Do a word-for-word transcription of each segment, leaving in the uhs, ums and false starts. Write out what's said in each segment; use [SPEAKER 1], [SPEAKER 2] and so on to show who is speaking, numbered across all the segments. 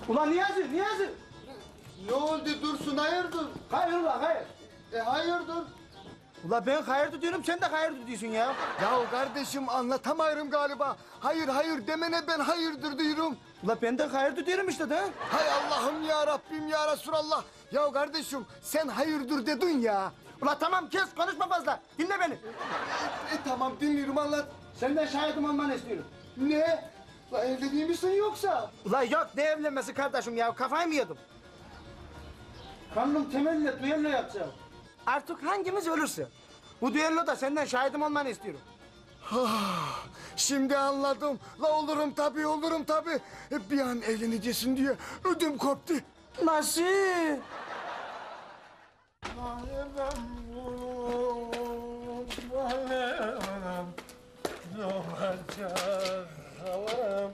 [SPEAKER 1] Ulan Niyazi, Niyazi!
[SPEAKER 2] Ne oldu Dursun, hayırdır?
[SPEAKER 1] Hayır ulan, hayır.
[SPEAKER 2] E hayırdır?
[SPEAKER 1] Ulan ben hayırdır diyorum, sen de hayırdır diyorsun ya.
[SPEAKER 2] Ya kardeşim anlatamıyorum galiba. Hayır hayır demene ben hayırdır diyorum.
[SPEAKER 1] Ulan ben de hayırdır diyorum işte de.
[SPEAKER 2] Hay Allah'ım ya Rabbim ya Resulallah. Ya kardeşim sen hayırdır dedin ya.
[SPEAKER 1] Ulan tamam kes, konuşma fazla. Dinle beni.
[SPEAKER 2] E, tamam dinliyorum anlat.
[SPEAKER 1] Senden şahidim olmanı istiyorum.
[SPEAKER 2] Ne? La evli değil misin yoksa?
[SPEAKER 1] Ulan yok, ne evlenmesi kardeşim ya, kafayı mı yedim? Kanun temelli düello yapacağım. Artık hangimiz ölürse. Bu düelloda senden şahidim olmanı istiyorum.
[SPEAKER 2] Ah, şimdi anladım. La olurum tabii olurum tabii. E, bir an evleneceksin diye ödüm koptu.
[SPEAKER 1] Nasıl?
[SPEAKER 3] Ne olacak havam?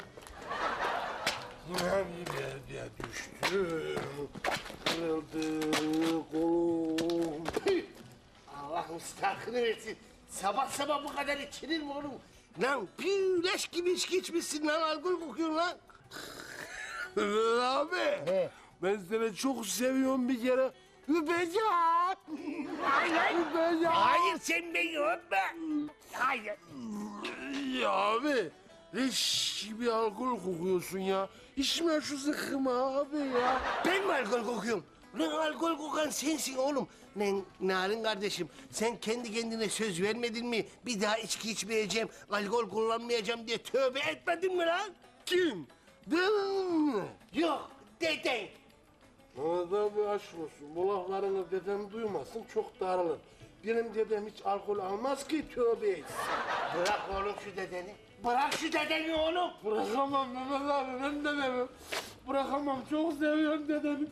[SPEAKER 3] Yine bir derde düştüm. Kırıldı kolum. Allah müstakını versin. Sabah sabah bu kadar içilir mi oğlum? Lan bir leş gibi içki içmişsin lan. Alkol kokuyorsun lan. Mehmet abi.
[SPEAKER 1] He.
[SPEAKER 3] Ben seni çok seviyorum bir kere. Öpeceğim. Hayır. Öpeceğim. Hayır sen beni öpme. Hayır. Ya abi. Leş gibi alkol kokuyorsun ya. İçme şu zıkkımı abi ya. Ben mi alkol kokuyorum? Lan alkol kokan sensin oğlum. Lan Narin kardeşim sen kendi kendine söz vermedin mi? Bir daha içki içmeyeceğim, alkol kullanmayacağım diye tövbe etmedin mi lan? Kim? Dedin mi? Yok, deden. Mehmet abi aşk olsun. Bu laflarını dedem duymasın çok darılır. Benim dedem hiç alkol almaz ki tövbe etsin. Bırak oğlum şu dedeni. Bırak şu dedeni oğlum. Bırakamam Mehmet abi ben dedemi. Bırakamam çok seviyorum dedemi.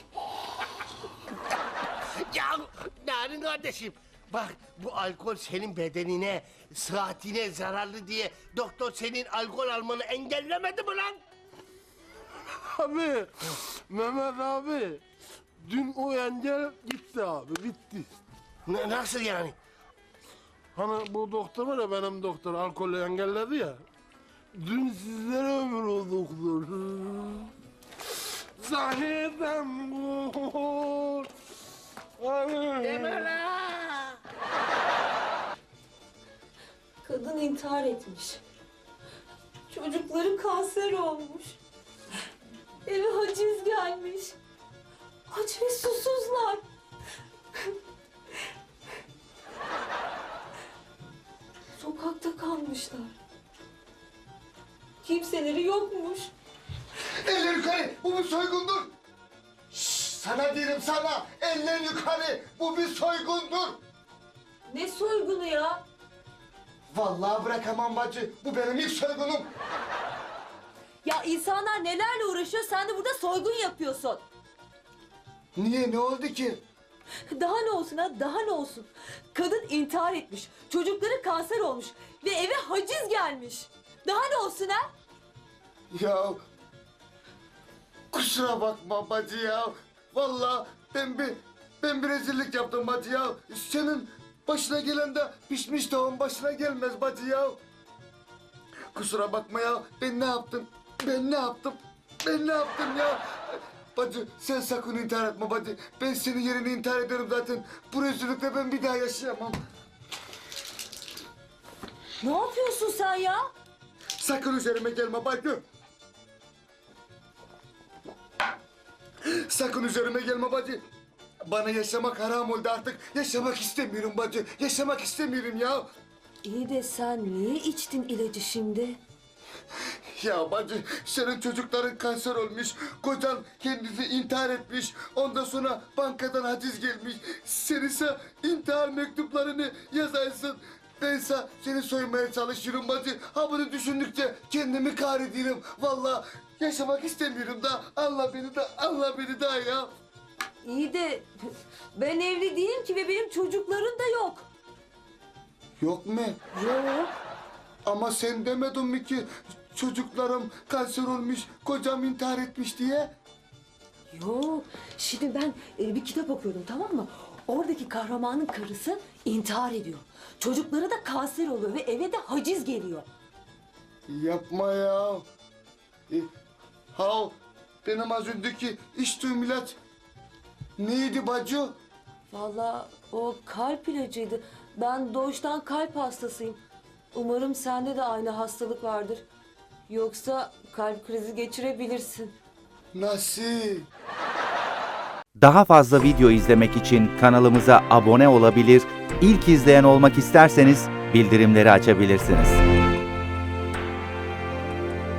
[SPEAKER 3] Ya Narin kardeşim bak bu alkol senin bedenine, sıhhatine zararlı diye doktor senin alkol almanı engellemedi mi lan? Abi, Mehmet abi, dün o engel gitti abi, bitti. Ne, nasıl yani? Hani bu doktor var ya benim doktor alkolü engelledi ya. Dün sizlere ömür o doktor. Zahidem bu. Deme la.
[SPEAKER 4] Kadın intihar etmiş. Çocukları kanser olmuş. Eve haciz gelmiş. Aç ve susuzlar. Sokakta kalmışlar. Kimseleri yokmuş.
[SPEAKER 2] Eller yukarı, bu bir soygundur. Şşş, sana diyorum sana, eller yukarı, bu bir soygundur.
[SPEAKER 4] Ne soygunu ya?
[SPEAKER 2] Vallahi bırakamam bacı, bu benim ilk soygunum.
[SPEAKER 4] Ya insanlar nelerle uğraşıyor, sen de burada soygun yapıyorsun.
[SPEAKER 2] Niye, ne oldu ki?
[SPEAKER 4] Daha ne olsun ha, daha ne olsun? Kadın intihar etmiş, çocukları kanser olmuş ve eve haciz gelmiş. Daha ne olsun ha?
[SPEAKER 2] Ya kusura bakma bacı ya. Vallahi ben bir ben bir rezillik yaptım bacı ya. Senin başına gelen de pişmiş tavuğun başına gelmez bacı ya. Kusura bakma ya. Ben ne yaptım? Ben ne yaptım? Ben ne yaptım ya? Bacı sen sakın intihar etme bacı. Ben senin yerine intihar ederim zaten. Bu rezillikle ben bir daha yaşayamam.
[SPEAKER 4] Ne yapıyorsun sen ya?
[SPEAKER 2] Sakın üzerime gelme bacı. Sakın üzerime gelme bacı. Bana yaşamak haram oldu artık. Yaşamak istemiyorum bacı. Yaşamak istemiyorum ya.
[SPEAKER 4] İyi de sen niye içtin ilacı şimdi?
[SPEAKER 2] Ya bacı senin çocukların kanser olmuş. Kocan kendisi intihar etmiş. Ondan sonra bankadan haciz gelmiş. Sen ise intihar mektuplarını yazarsın. Ben ise seni soymaya çalışıyorum bacı. Ha bunu düşündükçe kendimi kahrediyorum. Vallahi yaşamak istemiyorum da. Allah beni de, Allah beni de ya.
[SPEAKER 4] İyi de ben evli değilim ki ve benim çocuklarım da yok.
[SPEAKER 2] Yok mu?
[SPEAKER 4] Yok.
[SPEAKER 2] Ama sen demedin mi ki çocuklarım kanser olmuş, kocam intihar etmiş diye?
[SPEAKER 4] Yok. Şimdi ben e, bir kitap okuyordum, tamam mı? Oradaki kahramanın karısı intihar ediyor. Çocukları da kanser oluyor ve eve de haciz geliyor.
[SPEAKER 2] Yapma ya. E, ha benim az önceki içtiğim ilaç neydi bacı?
[SPEAKER 4] Vallahi o kalp ilacıydı. Ben doğuştan kalp hastasıyım. Umarım sende de aynı hastalık vardır. Yoksa kalp krizi geçirebilirsin.
[SPEAKER 2] Nasıl?
[SPEAKER 5] Daha fazla video izlemek için kanalımıza abone olabilir, ilk izleyen olmak isterseniz bildirimleri açabilirsiniz.